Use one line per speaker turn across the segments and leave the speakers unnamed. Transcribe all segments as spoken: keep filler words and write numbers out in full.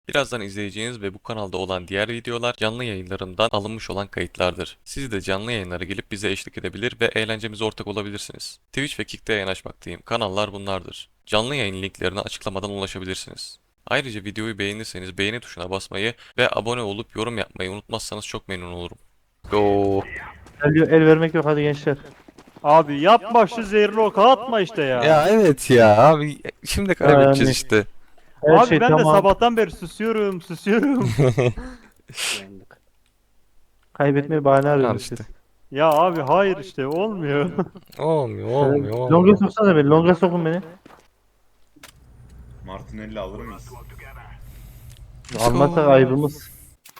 Birazdan izleyeceğiniz ve bu kanalda olan diğer videolar canlı yayınlarından alınmış olan kayıtlardır. Siz de canlı yayınlara gelip bize eşlik edebilir ve eğlencemize ortak olabilirsiniz. Twitch ve Kick'te yayın açmaktayım. Kanallar bunlardır. Canlı yayın linklerine açıklamadan ulaşabilirsiniz. Ayrıca videoyu beğenirseniz beğeni tuşuna basmayı ve abone olup yorum yapmayı unutmazsanız çok memnun olurum. Go.
El, el vermek yok hadi gençler.
Abi yapma şu zehirli oku atma işte ya.
Ya evet ya abi şimdi kaybedeceğiz
Yani
işte.
her
Abi
şey
ben de
tamam.
sabahtan beri susuyorum susuyorum.
Yandık.
Kaybetmeye bahane
Al
arıyorsunuz
işte.
siz.
Ya abi hayır işte olmuyor.
Olmuyor olmuyor
Longa
olmuyor.
soksana beni. Longa sokun beni.
Martinelli alır mıyız?
Almazsak ayıbımız.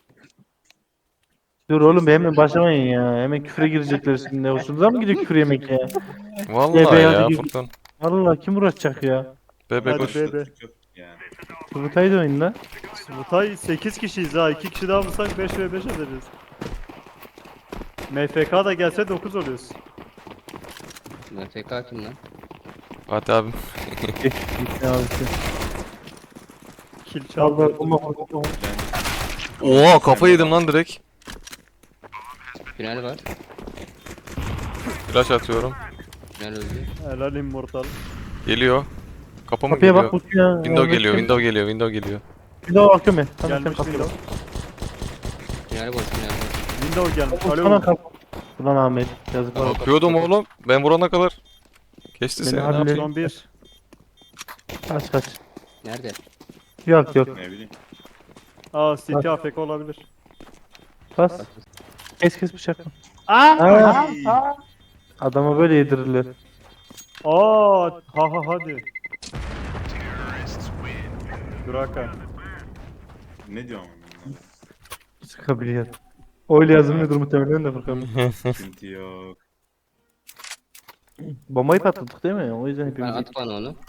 Dur oğlum be, hemen başlamayın ya. Hemen küfre girecekler şimdi. Hoşunuza mı gidiyor küfür yemek ya?
Vallahi
Ebe
ya
hadi gir.
Furkan.
Allah kim uğraşacak ya?
Bebek
Hadi
hoş.
be be.
Yok yani.
Kurutayı da oyun lan.
Smutay sekiz kişiyiz ha. iki kişi daha bulsak beş ve beş ederiz. M F K da gelse dokuz oluyoruz.
M F K kim lan?
Fatih abim.
Gitti abisi.
Kill
Çaldı.
çaldı.
Bomba bomba.
Oha kafa yedim lan direkt.
Final var.
Flash atıyorum.
Final öldü.
Helal immortal.
Geliyor. Kapı mı
Kapıya
geliyor?
bak uçuyor.
Window geliyor, window geliyor, window geliyor.
Window bakıyorum ben. Sana sen
Gelmiş
kapıya bak.
Windows.
Final boş final boş.
Windows gelmiş.
Sana
Alo.
kapı. Ulan Ahmet. Yazık var.
Bakıyordum oğlum. Ben vurana kadar. Kesti
Beni
seni. Ne
hallet.
yapayım?
Son bir.
Kaç kaç.
Nerede?
Yok yok.
Ne bileyim.
Aa City A F K olabilir.
Bas. Kes kes bıçak.
Aa.
Adama böyle yedirirler.
Aa ha ha hadi. Duraka.
Ne diyor ama?
Sıkabiliyor. Öyle yazılmıyordur muhtemelen de Furkan.
Sıkıntı yok.
Bombayı patlattık değil mi? O yüzden
Ben
hepimiz...
at bana onu.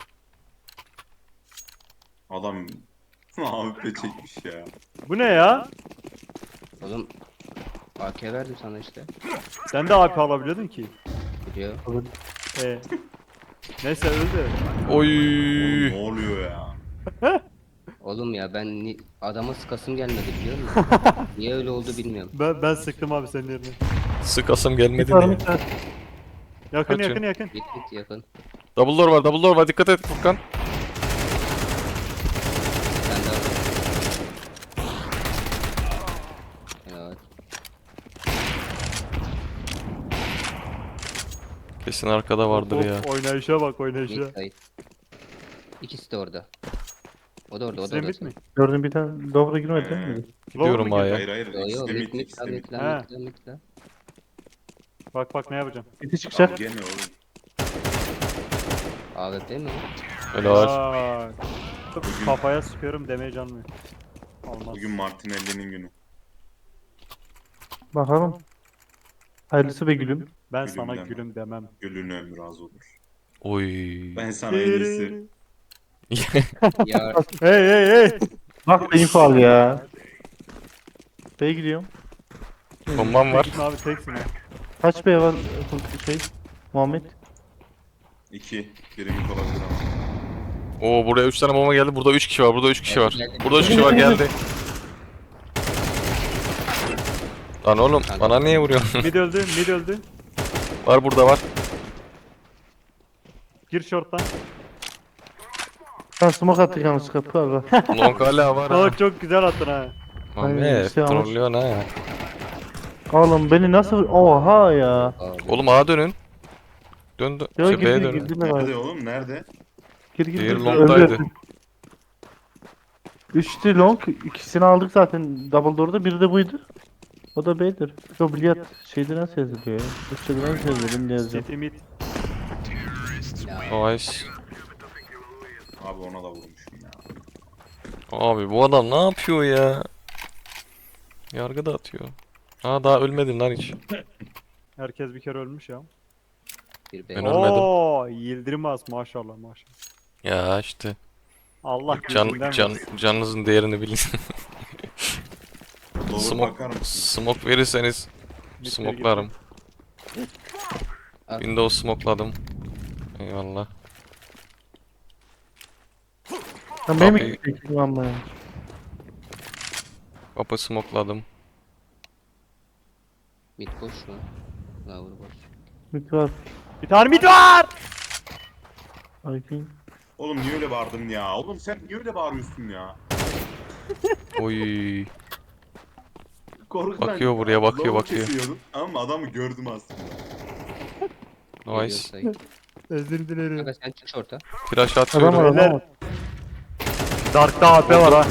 Adam A W P çekmiş ya.
Bu ne ya?
Oğlum A K verdim sana işte.
Sen de A P alabiliyordun ki.
Biliyor.
Ee. Neyse öldü.
Oy.
Ne oluyor ya?
Oğlum ya ben ni- adama sıkasım gelmedi biliyor musun? Niye öyle oldu bilmiyorum.
Ben, ben sıktım abi senin yerine.
Sıkasım gelmedi
Var
diye.
mı?
Yakın
Kaçın.
yakın yakın.
Git git yakın.
Double door var, double door var. Dikkat et Furkan.
Sen de al. Evet.
Kesin arkada vardır
Of,
ya.
Oynayışa bak oynayışa.
Mid side. İkisi de orada. O da orada o da
Senin
orada.
bit mi?
Gördüm bir tane doğru girmedi değil mi?
Gidiyorum
Low mu
A'ya.
Hayır hayır.
Yo
İkisi
yo
de
mid
mid,
mid
ikisi
la
de mid.
mid la
He.
mid la mid la.
Bak bak ne yapacağım.
Biti çıkacak.
Gene oğlum.
A W P mi?
Öyle var.
Aa, kafaya sıkıyorum demeye canmıyor. Olmaz.
Bugün Martinelli'nin günü.
Bakalım. Hayırlısı be gülüm.
Ben
Gülüm
sana
deme.
gülüm demem.
Gülün ömrü az olur.
Oy.
Ben sana en iyisi.
Ya
Hey hey hey.
Bak da info al ya. B'ye gidiyorum.
Bombam var.
Gitme abi teksin ha.
Kaç B var şey? Muhammed.
İki. Biri mid olabilir ama.
Oo buraya üç tane bomba geldi. Burada üç kişi var. Burada üç kişi var.
Geldi.
Burada üç kişi var geldi. Lan oğlum bana niye vuruyorsun?
Mid öldü mid öldü.
Var burada var.
Gir short'tan.
Sen smoke attık yalnız kapı abi.
Long hala var ha.
Aa çok güzel attın ha.
Ahmet
işte ama-
trollüyorsun ha.
Oğlum beni nasıl... Oha ya.
abi.
Oğlum A'ya dönün. Dön dön.
Yok
Şey, B'ye
girdi
dönün.
girdi mi
Nerede
var?
oğlum? Nerede?
Gir gir
Diğeri
gir.
long'daydı.
Öldü. Üçtü long. İkisini aldık zaten double door'da. Biri de buydu. O da B'dir. O bilyat şeyde nasıl yazılıyor ya? Türkçe'de nasıl yazılıyor? Ben de yazıyorum.
City mid.
Nice.
Abi ona da vurmuşum ya.
Abi bu adam ne yapıyor ya? Yargı da atıyor. Ha daha ölmedin lan hiç.
Herkes bir kere ölmüş ya.
Bir
Ben
B.
ölmedim.
Oo Yıldırmaz maşallah maşallah.
Ya işte.
Allah
Can,
gözünden
can,
versin.
canınızın değerini bilin.
Lower
Smoke,
bakar mısın?
smoke verirseniz
Mid'e
smoklarım.
Al.
Windows smokladım. Eyvallah.
Sen benim
Kapıyı-
mi gideceksin ama ya?
Kapı smokladım.
Mid boş mu? Lower boş.
Mid var.
Bir tane mid var.
I think.
Oğlum niye öyle bağırdın ya? Oğlum sen niye öyle bağırıyorsun ya?
Oy.
Korkudan
Bakıyor buraya, bakıyor,
lava
bakıyor.
kesiyordum ama adamı gördüm aslında.
Geliyor
Nice.
sayı.
Özür dilerim.
Kanka sen çık şorta.
Flash
Adam
atıyorum.
var adam
Beyler.
var.
Dark'ta A P var ha.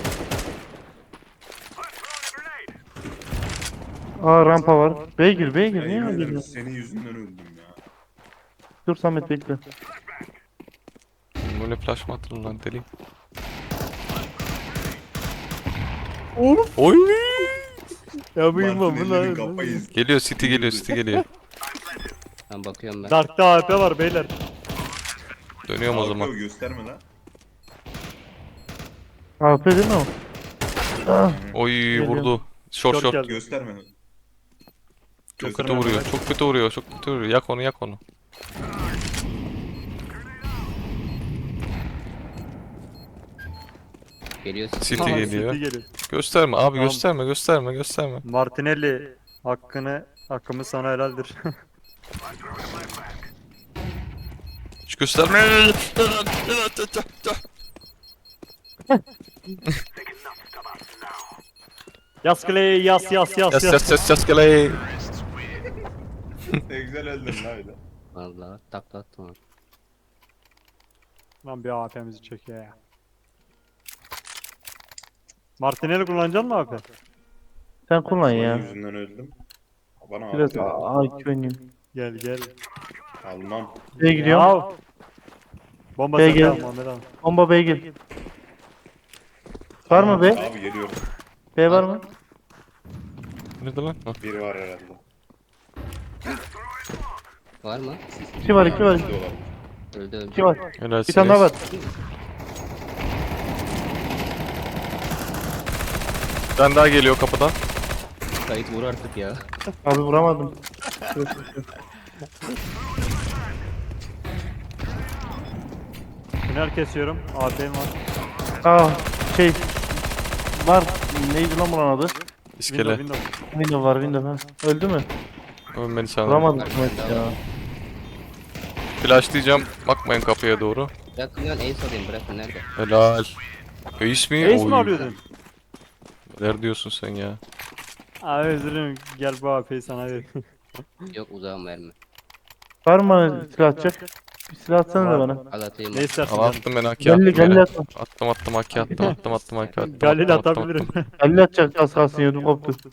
Aa rampa var. Beygir beygir
Ya
niye
yemin ederim
öldürdün?
senin yüzünden öldüm ya.
Dur Samet bekle.
Böyle flash mı attın lan deli?
Of.
Oy.
Ya buyum bu
Martinelli'nin
lan.
kafayı izledim.
Geliyor City geliyor City geliyor.
Ben bakıyorum ben.
Dark'ta A P var beyler.
Dönüyorum o zaman.
Abi gösterme lan.
A P değil mi o? Ah,
Oy vurdu. Short
Short
short.
geldi.
Gösterme.
Çok kötü vuruyor. Çok kötü vuruyor. Çok kötü vuruyor. Yak onu yak onu.
Geliyor.
City
Aha,
geliyor.
City geliyor.
Gösterme abi
Tamam.
gösterme gösterme gösterme.
Martinelli hakkını hakkımız sana helaldir.
Hiç gösterme.
Yas Clay yas yas yas
Yas
yas.
yas yas yas geley.
Ne güzel öldün lan öyle.
Vallahi takla attım abi.
Lan bir A P'mizi çekiyor ya. Martinelli kullanacaksın mı A P?
sen kullan
Senin
ya.
yüzünden öldüm. Bana
Biraz
abi.
A iki oynayayım.
Gel gel.
Almam.
B'ye gidiyorum.
Ya. Bomba
Gel,
sende
gel.
al Muhammed abi.
Bomba B'ye gel. Var mı B?
Abi geliyorum.
B var mı?
Nerede lan? Ha.
Biri var herhalde.
Var mı?
İki var iki var.
İki de olabilir.
Öldü öldü.
İki var.
Helal
Bir tane daha var.
Bir tane daha geliyor kapıdan.
Kayıt vur artık ya.
Abi vuramadım.
Tünel kesiyorum. A P'm var.
Aa şey var. Neydi lan bunun adı?
İskele.
Window window.
Window var window ha. Öldü mü?
Ölmeni sanırım.
Vuramadım
Var,
Samet
window
ya.
var.
Flashlayacağım. Bakmayın kapıya doğru.
Bırakın lan ace alayım bırakın nerede?
Helal. Ace mi?
Ace mi
Oy.
alıyordun?
Neler diyorsun sen ya?
Abi özür dilerim. Gel bu A P'yi sana ver.
Yok uzağım verme.
Var mı silah atacak? Bir silah atsana da
Var.
bana.
Al atayım.
Ne istersin
Al
canım?
attım ben haki attım.
Galil galil
yere.
atma.
Attım attım haki attım attım attım haki attım.
Galil
attım, attım,
atabilirim.
attım.
Galil atacak az kalsın yudum koptu.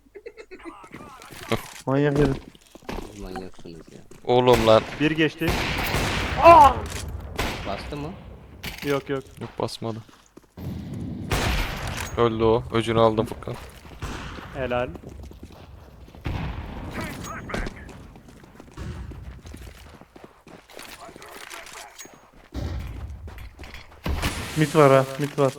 Manyak herif.
Manyaksınız ya.
Oğlum lan.
Bir geçti.
Bastı mı?
Yok yok.
Yok basmadı. Öldü o. Öcünü aldım Furkan.
Helal.
Mit var ha mit var.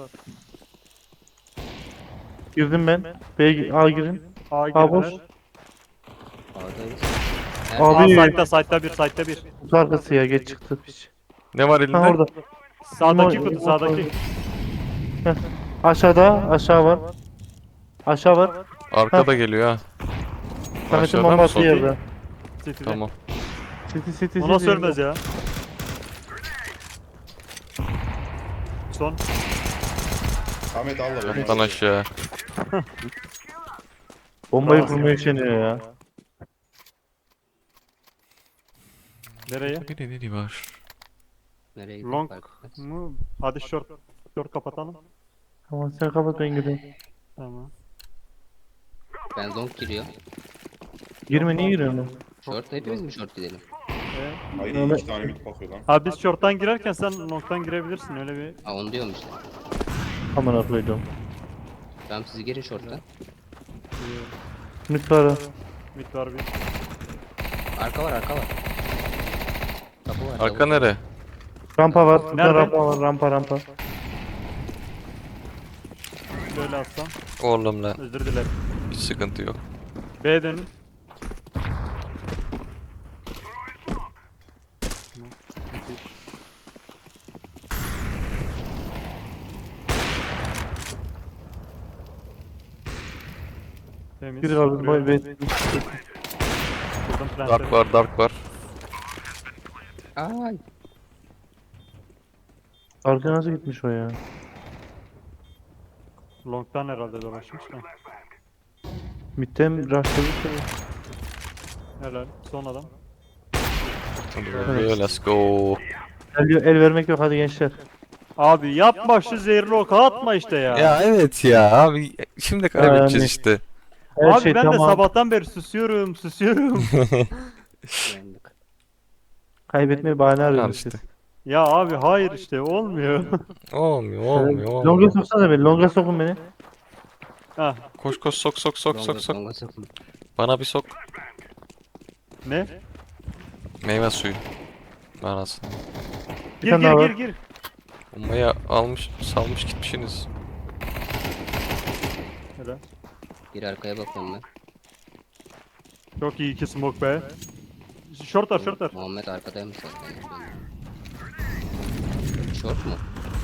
Girdim ben. B'ye gi- A girin.
A
A boş.
girdiler.
A'dayız.
Abi-
A site'da site'da bir site'da bir.
Kutu arkası ya geç çıktı piç.
Ne var elinde?
Ha orada.
Sağdaki
Ama-
kutu sağdaki.
Aşağıda aşağı var. Aşağı var.
Arkada geliyor ha.
Samet'in
Aşağıda mı
bombası
sol?
yerde.
City'de.
Tamam.
City city
O nasıl
city.
ölmez ya? Son.
Ahmet al da beni.
Yattan aşağı.
Bombayı
Bravo.
kurmaya üşeniyor ya.
Nereye?
Bir de ne var?
Nereye gittik?
Long
fark etmez.
mu? Hadi short. Short kapatalım.
Tamam sen kapat ben gireyim.
Tamam.
Ben long giriyor.
Girme niye giriyorsun lan?
Short hepimiz mi short gidelim?
Ee,
Hayır
Ahmet-
iki tane mid bakıyor lan.
abi biz short'tan girerken sen long'tan girebilirsin öyle bir.
Ha onu diyorum işte.
Amına koydum.
Tamam siz girin short'tan.
Mit var ha.
Mid var bir.
Arka var arka var. Kapı var.
Arka
double.
nere?
Rampa var. Burada
Nerede?
rampa var. Rampa rampa.
Şöyle atsam.
Oğlum lan.
Özür dilerim.
Hiç sıkıntı yok.
B dönün. Temiz.
Biri kaldı.
Vuruyorum.
Boy be.
Vurdum plantleri.
Dark var, dark var.
Ay.
Arka nasıl gitmiş o ya?
Long'dan herhalde dolaşmış da.
Mid'den rushladı.
Helal. Son adam.
Hadi bakalım, let's go.
El, el vermek yok hadi gençler.
Abi yapma şu zehirli oku atma işte ya.
Ya evet ya abi şimdi kaybedeceğiz
Yani.
işte.
Her
Abi
şey
ben de
tamam.
sabahtan beri susuyorum susuyorum.
Yandık.
Kaybetmeye bahane
Al
arıyorsunuz
işte.
siz.
Ya abi hayır işte olmuyor.
Olmuyor, olmuyor,
Longa
olmuyor.
soksana beni. Longa sokun beni.
Hah
Koş koş sok sok sok sok
Longa-
sok.
longa sokun.
Bana bir sok.
ne?
Meyve suyu. Anasını.
Gir
tane
gir
daha
gir
var.
gir.
Bombayı almış, salmış gitmişsiniz.
Helal.
Bir arkaya bakıyorum ben.
Çok iyi iki smoke be. Short var short var.
Muhammed arkadaymış zaten. Short mu?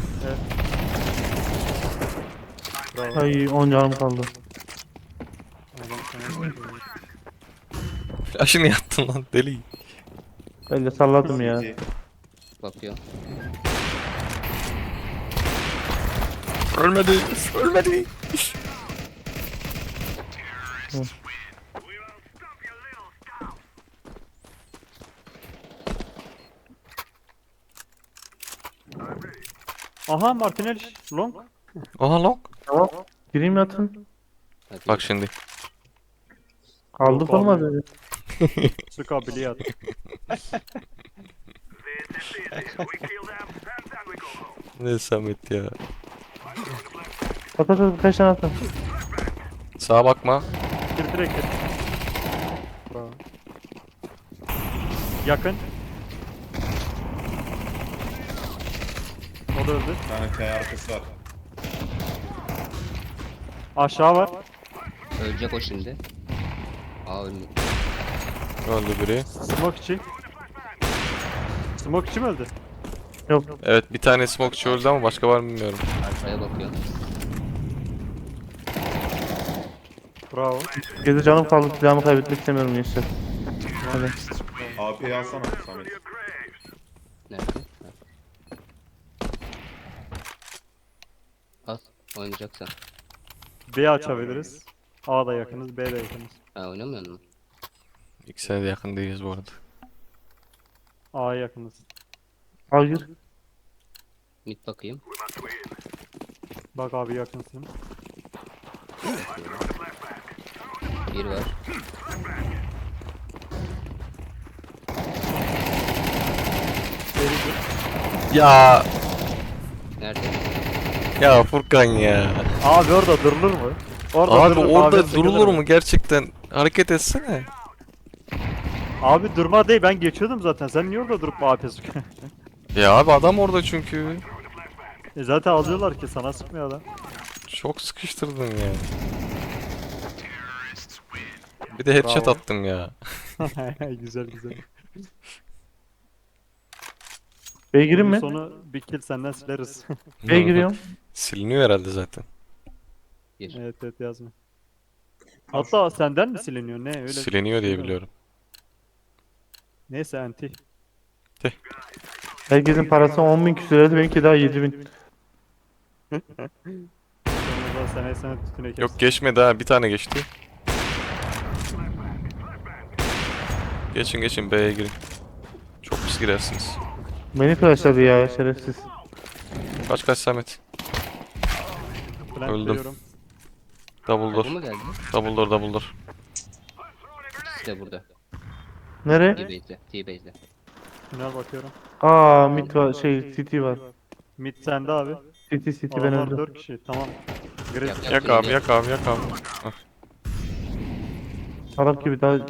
Bravo.
Ay on canım kaldı.
Adam sana-
Flash'ını yattın lan deli.
Ben de salladım ya.
C T.
Bakıyor.
Ölmedi, ölmedi.
Aha Martinelli long.
Oha long.
Tamam. Gireyim yatın.
Hadi.
Bak şimdi.
Aldık
Yok abi.
olmadı.
Sık abiliyat.
Ne Samet ya.
At at at birkaç tane atın.
Sağa bakma.
Gir direkt gir. Bravo. Yakın. O da öldü.
Bir tane T arkası var.
Aşağı var.
Ölecek o şimdi. Aa ölmüyor.
Öldü biri.
Smoke içi. Smoke içi mi öldü?
Yok.
Evet bir tane smoke öldü ama başka var mı bilmiyorum.
Arkaya bakıyor.
Bravo.
Gezi canım kaldı. Silahımı kaybetmek istemiyorum gençler. Hadi.
A P'yi alsana Samet.
Nerede? Ha. Al. Oynayacaksan.
B açabiliriz. A da yakınız, B de yakınız.
Ha oynamıyor musun?
İkisine de yakın değiliz bu arada.
A'ya yakınız.
Al gir.
Mid bakayım.
Bak abi yakınsın.
Bir var.
Beri gir.
Ya
Nerede?
ya Furkan ya.
Abi orada durulur mu? Orada
Abi
durulur,
orada
abi
durulur
sıkılır
mu gerçekten? Hareket etsene.
Abi durma değil, ben geçiyordum zaten. Sen niye orada durup A P sıkıyorsun?
Ya abi adam orada çünkü.
e zaten alıyorlar ki sana sıkmıyor adam.
Çok sıkıştırdın ya. Bir de headshot
Bravo.
attım ya.
Güzel güzel.
B'ye gireyim
Bunun
mi?
Sonu bir kill senden sileriz.
B'ye giriyorum.
Siliniyor herhalde zaten.
Bir.
evet evet yazma. Hatta senden mi siliniyor ne öyle?
Siliniyor diye biliyorum.
Neyse anti.
Herkesin parası on bin küsür liraydı. Benimki daha yedi bin.
Sonra sen esene tütüne kes.
Yok geçmedi ha bir tane geçti. Geçin geçin B'ye girin. Çok pis girersiniz.
Beni flashladı ya şerefsiz.
Kaç kaç Samet.
Plant
öldüm.
veriyorum.
Double
Bu
door.
mu geldi?
Double door double door.
İkisi de burada.
Nere?
T-Base'de. T-Base'de.
Tünel bakıyorum.
Aa mid var şey city var.
Mid sende abi.
City city ben
Adamlar
öldüm.
dört kişi. Tamam. Grid.
Yap, yap.
Yak abi yak abi yak abi.
Salak gibi daha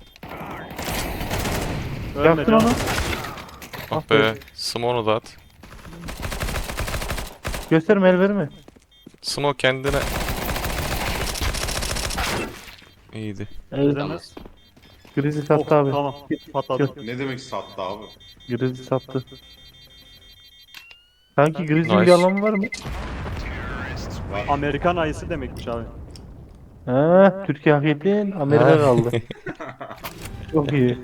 Ölme
yaktın
canım.
onu.
Ah be. Smoke'u da at.
Gösterme el verme.
Smoke kendine. İyiydi.
Evet.
Tamam.
Grizzly
Oh,
sattı abi.
tamam. Patladı.
Ne demek sattı abi?
Grizzly sattı. Sanki Grizzly'nin
Nice.
bir anlamı var mı?
Var.
Amerikan ayısı demekmiş abi.
Ha, Türkiye hak ettin, Amerika
Ha.
kaldı. Çok iyi.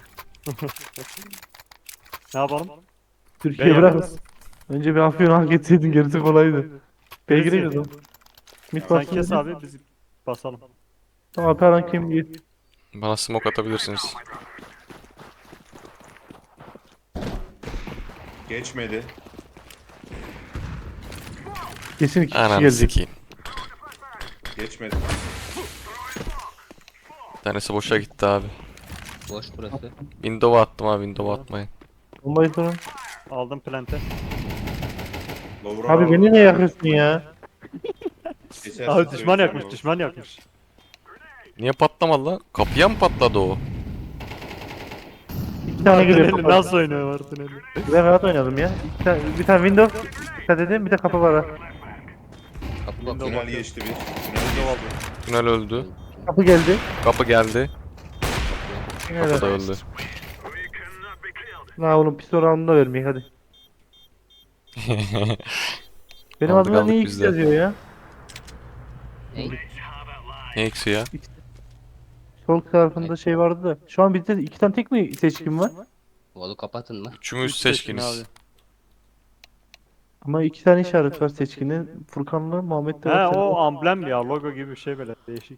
Ne yapalım?
Türkiye
Ben
bırak.
yaparız.
Önce bir Afyon hak etseydin gerisi kolaydı. B'ye
Birisi-
girelim. Mid
Sen
bassın.
kes abi biz basalım.
Tamam Alperen kim git.
Bana smoke atabilirsiniz.
Geçmedi.
Kesin iki kişi
Ananı
gelecek.
sikeyim.
Geçmedi.
Bir tanesi boşa gitti abi.
Boş burası.
Window'a attım abi, Window'a atmayın.
Bombayı sorun.
Aldım plante.
Lower'a
Abi
aldım.
beni ne yakıyorsun ya?
Geçersin,
Abi düşman
söyleyeceğim
yakmış
o.
düşman yakmış.
Niye patlamadı lan? Kapıya mı patladı o?
İki tane giriyor.
Martinelli nasıl oynuyor Martinelli?
Ben rahat oynadım ya. İki tane, bir tane window. Dikkat edin bir de kapı var ha.
Kapı bakıyor.
Tünel geçti bir. Tünel geçti.
Tünel öldü.
Kapı geldi.
Kapı geldi. Kapı da
Evet.
öldü.
La oğlum pistol round'unu vermeyin hadi. Benim
Aldık,
adımda
aldık
niye
biz
X
de.
yazıyor ya?
Ney?
Ne eksi ya?
Sol tarafında şey vardı da. Şu an bizde iki tane tek mi seçkin var?
Volu kapatın mı?
Üçümüz
Üç seçkin
seçkiniz.
abi.
Ama iki tane işaret var seçkinin. Furkan'la Muhammed'de
He
var.
o amblem ya logo gibi bir şey böyle değişik.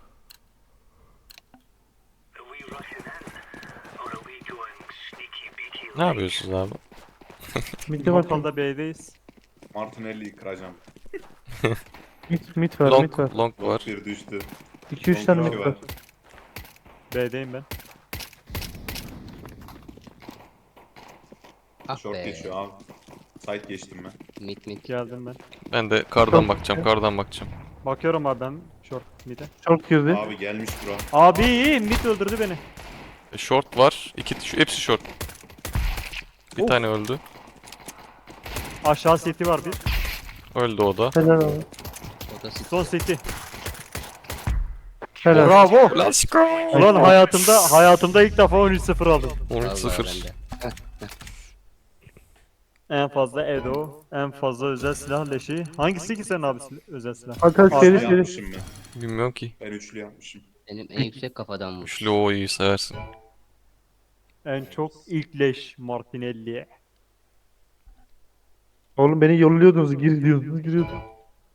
Ne yapıyorsunuz abi?
Mid'de var.
Mortal'da B'deyiz.
Martinelli'yi kıracağım.
Mid, mid var, mid var.
Long, long var.
Bir düştü.
iki üç tane
Long
mid
iki
var.
B'deyim ben.
Ah
Short
be.
geçiyor abi. Side geçtim ben.
Mit mit.
Geldim ben.
Ben de kardan bakacağım, kardan bakacağım.
Bakıyorum abi ben short mid'e.
Short girdi.
Abi gelmiş bura.
Abi mid öldürdü beni.
E, short var. İki, şu, hepsi short. Bir
Of.
tane öldü.
Aşağı city var bir.
Öldü o da.
Helal abi.
O da sit.
Son city.
Helal.
Bravo.
Let's go.
Ulan hayatımda hayatımda ilk defa on üç sıfır aldım.
on üç
Vallahi
sıfır.
bende.
En fazla Edo, en fazla özel silah leşi. Hangisi ki senin abi sil- özel silah?
Hatta
Abi
seri
Üçlü
seri.
yapmışım ben.
Bilmiyorum ki.
Ben üçlü yapmışım.
Benim en yüksek kafadan vurmuş.
Üçlü o iyi seversin.
En çok ilk leş Martinelli'ye.
Oğlum beni yolluyordunuz, gir diyordunuz, giriyordum.